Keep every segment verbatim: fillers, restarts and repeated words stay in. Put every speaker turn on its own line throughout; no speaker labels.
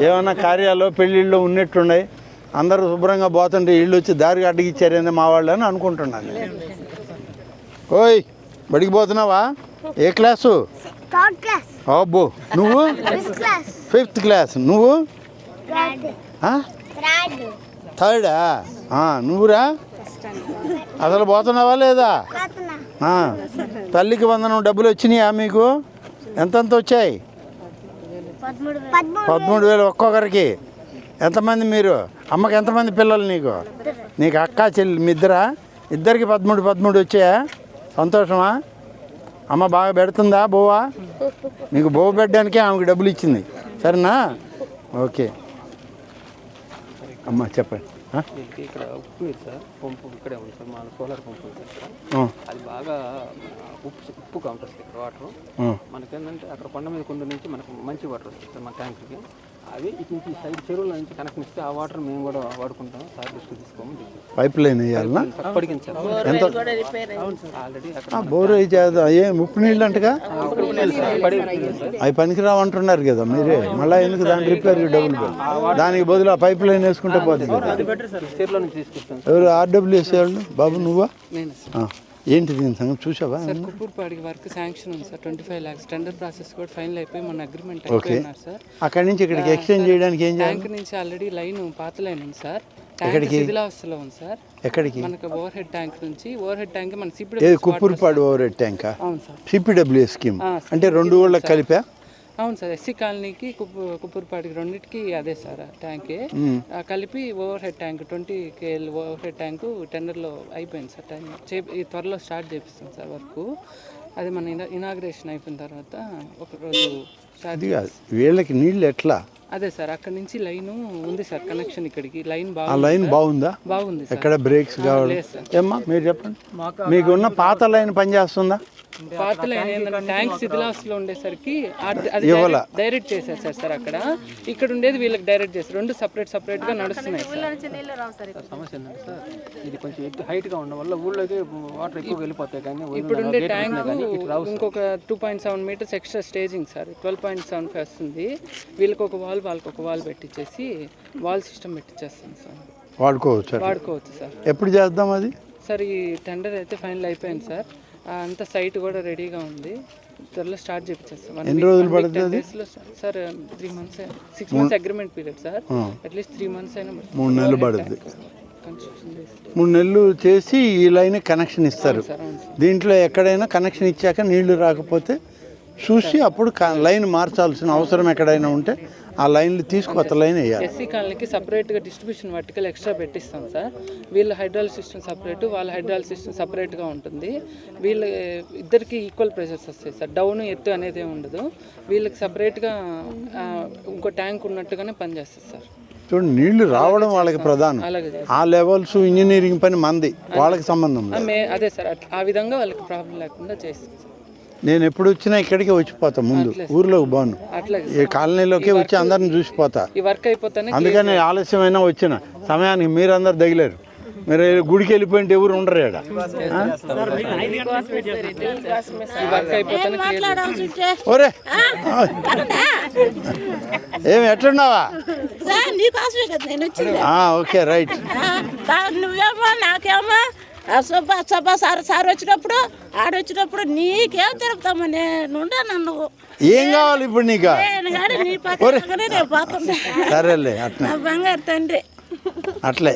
ఏమన్నా కార్యాలు పెళ్ళిళ్ళు ఉన్నట్టున్నాయి, అందరూ శుభ్రంగా పోతుంటే ఇళ్ళు వచ్చి దారికి అడ్డగిచ్చారేంది మా వాళ్ళు అని అనుకుంటున్నాను. ఓయ్ బడికి పోతున్నావా? ఏ క్లాసు? అబ్బో నువ్వు ఫిఫ్త్ క్లాస్, నువ్వు థర్డా? నువ్వురా అసలు పోతున్నావా లేదా? తల్లికి వందనం డబ్బులు వచ్చినాయా మీకు? ఎంతెంత వచ్చాయి? పదమూడు వేలు ఒక్కొక్కరికి. ఎంతమంది మీరు? అమ్మకి ఎంతమంది పిల్లలు నీకు? నీకు అక్క చెల్లి మీ ఇద్దరా? ఇద్దరికి పదమూడు పదమూడు వచ్చాయా? సంతోషమా? అమ్మ బాగా పెడుతుందా బోవా? నీకు బోవ పెట్టడానికే ఆమెకు డబ్బులు ఇచ్చింది, సరేనా? ఓకే అమ్మ చెప్పండి.
ఇక్కడ ఉప్పు నీరు సార్, పంపు ఇక్కడే ఉంది సార్, మా సోలార్ పంపు ఉంది సార్. అది బాగా ఉప్పు ఉప్పుగా ఉంటుంది ఇక్కడ వాటర్. మనకేంటంటే అక్కడ కొండ మీద కొండ నుంచి మనకు మంచి వాటర్ వస్తుంది సార్ మా ట్యాంక్కి. అవి ఇటు నుంచి సైడ్ చెరువుల నుంచి కనెక్షన్ ఇస్తే ఆ వాటర్ మేము కూడా వాడుకుంటాం సార్. తీసుకు తీసుకోమని
పైప్ లైన్ వేయాలన్నా?
పడికింది సార్
ఎంత
ఆల్రెడీ
బోర్ చేద్దాం. ఏ ఉప్పు నీళ్ళు అంటగా అవి పనికిరావు అంటున్నారు కదా మీరే, మళ్ళీ ఎందుకు దాని రిపేర్కి డబ్బులు? దానికి బదులు ఆ పైప్ లైన్ వేసుకుంటే పోతుంది.
చెరువుల నుంచి తీసుకొస్తాం.
ఎవరు ఆర్డబ్ల్యూఎస్ వాళ్ళు? బాబు నువ్వా? ఏంటి దీని సంగతి చూసావా?
సార్ కుప్పూరుపాడికి వర్క్ శాంక్షన్ ఉంది sir, twenty five lakhs tender process కూడా ఫైనల్ అయిపోయి మన అగ్రిమెంట్ అయిపోయినారు సార్.
అక్కడి నుంచి ఇక్కడికి ఎక్స్చేంజ్ చేయడానికి ఏం చేయాలి?
ట్యాంక్ నుంచి ఆల్రెడీ లైన్ పాత లైన్ ఉంది సార్, ట్యాంక్ శిథిలావస్థలో ఉంది సార్.
ఎక్కడికి?
మనకు ఓవర్ హెడ్ ట్యాంక్ నుంచి ఓవర్ హెడ్ ట్యాంక్ మన CPW
Kuppurupadu over head tank.
అవును సార్,
సిపిడబ్ల్యూ స్కీమ్ అంటే రెండు ఊళ్ళకి కలిపా?
అవును సార్, ఎస్సీ కాలనీకి కుప్పు కుప్పూరుపాటికి రెండింటికి అదే సార్ ట్యాంకే కలిపి over head tank twenty KL over head tank టెండర్లో అయిపోయింది సార్. టైం చే త్వరలో స్టార్ట్ చేపిస్తాం సార్ వర్క్. అది మన ఇనా ఇనాగ్రేషన్ అయిపోయిన తర్వాత ఒకరోజు స్టార్ట్.
వీళ్ళకి నీళ్ళు ఎట్లా?
అదే సార్ అక్కడ నుంచి లైన్ ఉంది సార్, కనెక్షన్ ఇక్కడికి లైన్
ఆ
బాగా
లైన్ బాగుందా?
బాగుంది సార్.
ఎక్కడ బ్రేక్స్ కావాలి? ఏమ్మా మీరు చెప్పండి, మీకు ఉన్న పాత లైన్ పనిచేస్తుందా?
పాత లైన్ ఏంటంటే ట్యాంక్ శిథిలావస్థలో ఉండేసరికి డైరెక్ట్ చేశారు సార్ సార్ అక్కడ. ఇక్కడ ఉండేది వీళ్ళకి డైరెక్ట్ చేస్తారు, రెండు సపరేట్ సపరేట్ గా నడుస్తున్నాయి సార్.
సమస్య ఏంటంటే సార్ ఇది కొంచెం ఎక్కువ హైట్ గా ఉండడం వల్ల ఊళ్ళోకి వాటర్ ఎక్కువ వెళ్ళిపోతాయి. కానీ
ఇప్పుడు ఉండే ట్యాంక్ ఇంకొక two point seven metres extra staging sir, twelve point seven five వస్తుంది. వీళ్ళకి ఒక వాల్ వాళ్ళకి ఒక వాల్ పెట్టించేసి వాల్ సిస్టమ్ పెట్టించేస్తాం సార్.
వాడుకోవచ్చు
వాడుకోవచ్చు సార్.
ఎప్పుడు చేద్దాం అది?
సార్ ఈ టెండర్ అయితే ఫైనల్ అయిపోయింది సార్, అంత సైట్ కూడా రెడీగా ఉంది, త్వరలో స్టార్ట్ చేపించేస్తాం.
ఎన్ని రోజులు పడుతుంది
sir? Three months six months agreement period sir, at least three months అయినా
మూడు నెలలు పడుతుంది. మూడు నెలలు చేసి ఈ లైన్ కనెక్షన్ ఇస్తారు. దీంట్లో ఎక్కడైనా కనెక్షన్ ఇచ్చాక నీళ్లు రాకపోతే చూసి అప్పుడు లైన్ మార్చాల్సిన అవసరం ఎక్కడైనా ఉంటే ఆ లైన్లు తీసుకు కొత్త లైన్ వేయాలి.
ఎస్సీ కాలనీకి సపరేట్గా డిస్ట్రిబ్యూషన్ వర్టికల్ ఎక్స్ట్రా పెట్టిస్తాం సార్. వీళ్ళ హైడ్రాలిక్ సిస్టమ్ సపరేట్, వాళ్ళ హైడ్రాలిక్ సిస్టమ్ సపరేట్గా ఉంటుంది. వీళ్ళ ఇద్దరికి ఈక్వల్ ప్రెషర్స్ వస్తాయి సార్, డౌన్ ఎత్తు అనేది ఉండదు. వీళ్ళకి సపరేట్గా ఇంకో ట్యాంక్ ఉన్నట్టుగానే పనిచేస్తుంది సార్.
చూడండి, నీళ్లు రావడం వాళ్ళకి ప్రధానం. ఆ లెవెల్స్ ఇంజనీరింగ్ పని మంది, వాళ్ళకి సంబంధం లేదు.
అదే సార్, ఆ విధంగా వాళ్ళకి ప్రాబ్లం లేకుండా చేస్తాం సార్.
నేను ఎప్పుడు వచ్చినా ఇక్కడికే వచ్చిపోతా, ముందు ఊర్లోకి బాను, ఈ కాలనీలోకి వచ్చి అందరిని చూసిపోతా. అందుకని ఆలస్యమైనా వచ్చిన సమయానికి మీరందరు తగిలేరు. మీరు గుడికి వెళ్ళిపోయింటే ఎవరు ఉండరు ఇక్కడ. ఒరే ఏమి ఎట్లున్నావా? Okay right.
నువ్వేమో నాకేమో సభ సభ సార్ సార్ వచ్చినప్పుడు ఆడొచ్చినప్పుడు నీకేం తిరుగుతామో నేను నన్ను
ఏం కావాలి ఇప్పుడు నీకు? సరేలే అట్లా
బంగారు తండ్రి
అట్లే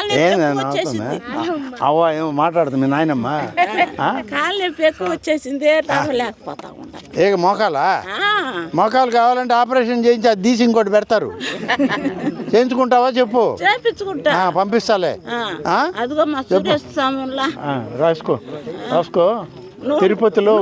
అవ్వ ఏమో మాట్లాడుతుంది మీ నాయనమ్మ.
కాళ్ళు నొప్పి ఎక్కువ వచ్చేసింది, లేకపోతా ఉంటా.
ఏ మోకాలా? మోకాలు కావాలంటే ఆపరేషన్ చేయించి అది తీసి ఇంకోటి పెడతారు. చేయించుకుంటావా చెప్పు?
చేయించుకుంటా,
పంపిస్తాలే.
అదిగో మా సురేష్ స్వామి
రాసుకో రాసుకో. తిరుపతిలో